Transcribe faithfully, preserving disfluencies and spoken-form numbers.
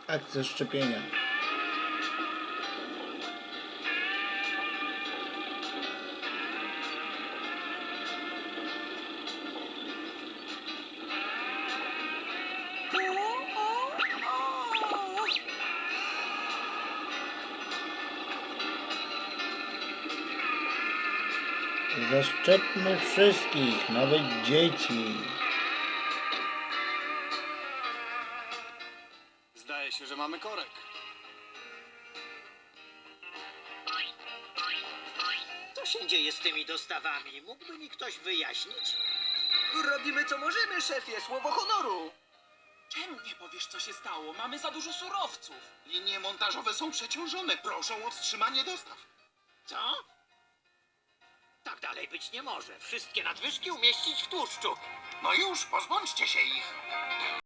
akcja szczepienia. Zaszczepmy wszystkich, nawet dzieci. Zdaje się, że mamy korek. Co się dzieje z tymi dostawami? Mógłby mi ktoś wyjaśnić? Robimy co możemy, szefie, słowo honoru. Czemu nie powiesz, co się stało? Mamy za dużo surowców. Linie montażowe są przeciążone. Proszą o wstrzymanie dostaw. Co? Tak dalej być nie może. Wszystkie nadwyżki umieścić w tłuszczu. No już, pozbądźcie się ich.